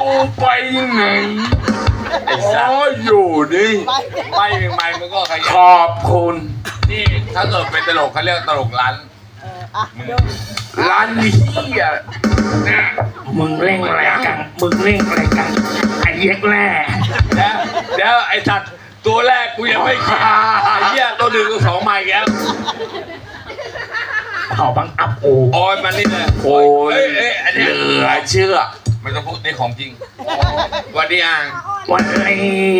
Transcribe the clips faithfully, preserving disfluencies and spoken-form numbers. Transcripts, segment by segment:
ไปไหนอ๋ออยู่นี่ไม่ไม่มึงก็ขขยันอบคุณนี่ถ้าเกิดเป็นตลกเขาเรียกตลกร้านร้านนี้อ่ะเนี่ยมึงเล่งอะไรกันมึงเล่งอะไรกันไอ้เย็กแร่แล้วแล้วไอ้สัตว์ตัวแรกกูยังไม่แก่ไอ้เหี้ยตัวหนึ่งตัวสองใหม่แล้วเขาบังอับโอโอ้ยมันนี่เลยโอ้ยเอ้ยเอ้ยอันเหนี้ลือเชื่อมันต้องพูดในของจริงวันนี้อ่างวันนี้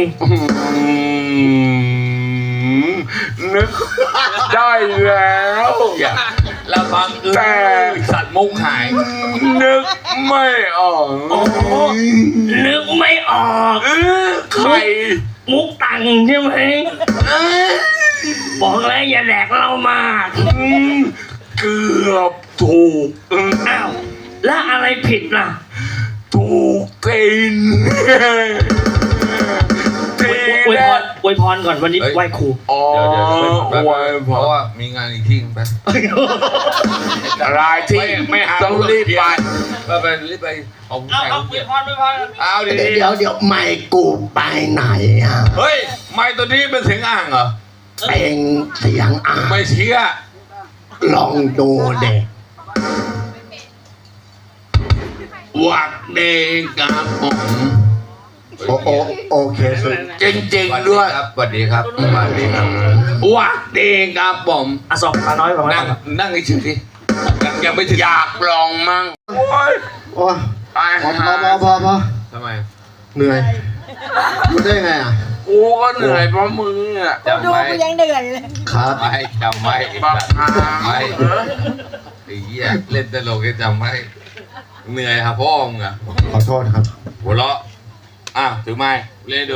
นึกได้แล้วอย่าเราฟังเออแต่สัตว์มุกหายนึกไม่ออกนึกไม่ออกเออใครมุกตังใช่ไหมเออบอกแล้วอย่าแดกเรามากอืมเกือบถูกอืมอ้าวแล้วอะไรผิดล่ะถูกกินทีอวยแรพกรอวยพรก่อนวันนี้ไหว้ครูอ๋อเดี๋ยวเดี๋ยวเดี๋ยวไว้เพพอราะว่ามีงานอีกที่ไปรายที่ไม่หาต้องรีบไปไปไปรีบไปเอาผู้เอาชายเอาเขาอเกีวย ยดพรอวยพรเอาดีเดี๋ยวเดี๋ยวไม่กูไปไหนอ่ะเฮ้ยไม่ตัวนี้เป็นเสียงอ่างเหรอเป็นเสียงอ่ะไม่เชื่อลองดูเด็กวักเดงกับผมโอโอโอเคสุดจริงๆด้วยครับสวัสดีครับสวัสดีครับวักเดงกับผมอ่ะสอบตาน้อยก่อนนั่งนั่งเฉยๆสิยังยังไม่ถึงอยากลองมั่งโอ้ยโอ้ไปพอพหาอพอพอพอทำไมเหนื่อยรู้ได้ไงอ่ะกูก็เหนื่อยเพราะมึงอ่ะจำดูไว้กูยังเหนื่อยเลยครับไว้จำไว้บักฮาจำไว้ไอ้เหี้ยเล่นตลกก็จำไว้เหนื่อยครับพ่อมึงอะขอโทษครับหัวเราะอ่ะถือไม้เล่นดู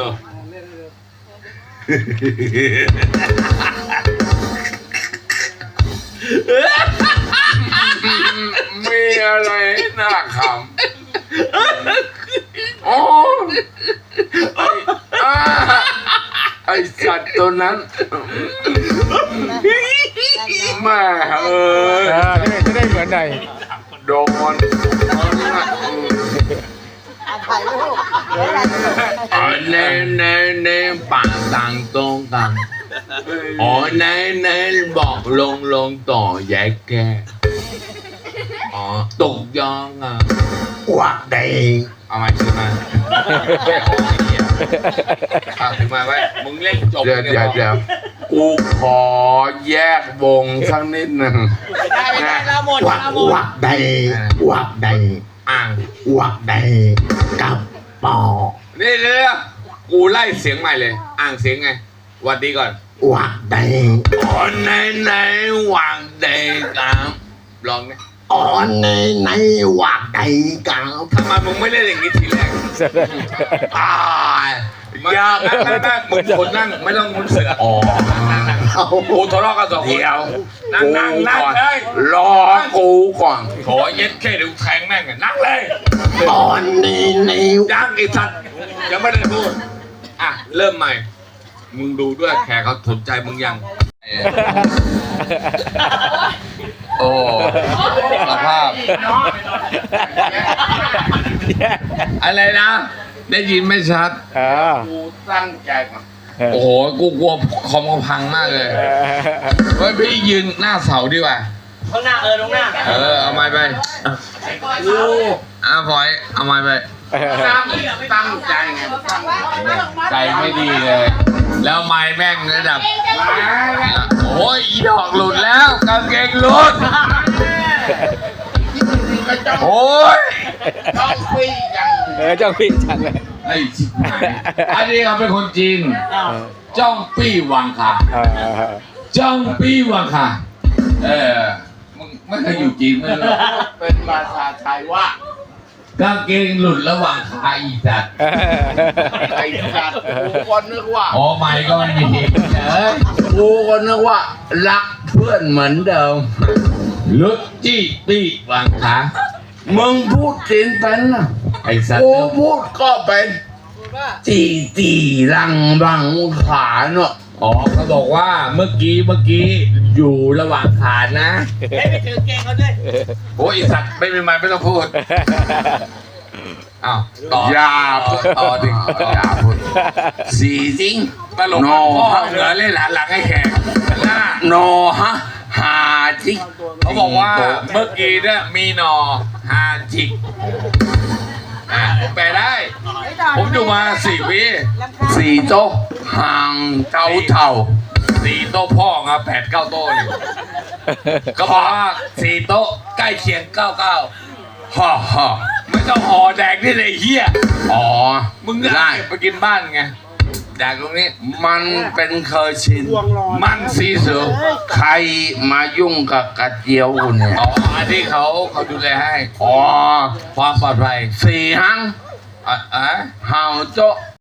มีอะไรน่าขำโอ้ไอ้อ่าไอ้สัตว์ตัวนั้นแม่เอ้ยจะได้เหมือนหน่อยโดนถ่ายรูปเดี๋ยวถ่ายรูปอ๋อเน่เน่เน่ปากต่างตรงกันอ๋อเน่เน่บอกลงลงต่อแยกแกอ๋อตกยองอ่ะวักเด็กเอาไม้ถือมาแค่ของไอ้เหี้ยอ่ะถือมาไว้มึงเล่นจบเดี๋ยวนี่เดี๋ยวเดี๋ยวกูขอแยกวงสักนิดหนึ่งได้ไม่ได้เราหมดวักเราหมดวักเด็กวักเด็กอ่างวักเด็กกับปอนี่เดี๋ยวกูไล่เสียงใหม่เลย อ่างเสียงไงหวัดดีก่อนวักเด็กอ๋อไหนไหนวางเด็กครับลองนะอ๋อในในวักเด็กกับทำไมมึงไม่เล่นอย่างนี้ทีแรกตายอยากนั่งนั่งนั่งมึงคนนั่งไม่ต้องมุนเสืออ๋อเอากูทะเลาะกันสองคนเดี๋ยวนั่งนั่งนั่งก่อนเลยรอกูก่อนขอเย็ดแค่เดี๋ยวแทงแม่งอะนั่งเลยตอนนี้ในยังไอ้สัตว์ยังไม่ได้พูดอ่ะเริ่มใหม่ มึงดูด้วยแขกเขาสนใจมึงยังโอ้สภาพอะไรนะ ได้ยินไม่ชัดอ่ากูตั้งใจก่อนโอ้โห กูกลัวคอมเขาพังมากเลย เฮ้ย พี่ยืนหน้าเสาดีกว่าข้างหน้าเออตรงหน้าเออ เอาไม้ไปอ่ะพลอย เอาไม้ไปตั้งตั้งใจไงตั้งใจไม่ดีเลย แล้วไม้แม่งระดับ โอ้ยอีดอกหลุดแล้วกางเกงหลุด โอ้ยต้องปีอย่างเออจ้องพี่จังเลยไอ้ชิบหายอันนี้เขาเป็นคนจีนอ้าวจ้องปี้วังค่ะอ่าจ้องปี้วังค่ะ เออ มึงไม่เคยอยู่จีนไม่รู้เป็นภาษาไทยว่ากางเกงหลุดระหว่างขาอีสัตว์ไอ้สัตว์กูก็นึกว่าอ๋อไม่ก็ไม่มีเอ้ยกูก็นึกว่ารักเพื่อนเหมือนเดิมลุดจี้ปี้วังขามึงพูดจีนเป็นนะไอ้สัตกูว์พูดก็เป็นจีจีรังบังขาเนาะอ๋อเขาบอกว่าเมื่อกี้เมื่อกี้อยู่ระหว่างขานะให้ไปถือเกงเขาด้วยโอ้ยไอ้สัตว์ไม่มีไม้ไม่ต้องพูดอ้าวต่ออย่อาพูดต่อดิอย่าพูดสี่จริงตลกโนพ่อเหนือเล่นหลานหลังให้แขกหน้าโนฮะหาจริงเขาบอกว่าเมื่อกี้เนี่ยมีหนอฮาจิกอ่ะผมแปลได้ ผมอยู่มาสี่วิสี่โต๊ะห่างเจ้าเท่าสี่โต๊ะพ่อครับแปดเก้าโต๊ะนี่ก็บอกว่าสี่โต๊ะใกล้เคียงเก้าเก้าฮ่าฮ่าไม่ต้องห่อแดกนี่เลยเฮียอ๋อมึงก็ได้เก็บไปกินบ้านไงแดกตรงนี้มันเป็นเคยชินมันสีเสือใครมายุ่งกับกระเจียวคุณเนี่ยอ๋ออันที่เขาเขาดูแลให้อ๋อความปลอดภัยสี่หังอ่ะอ่ะเห่าโจ๊ะ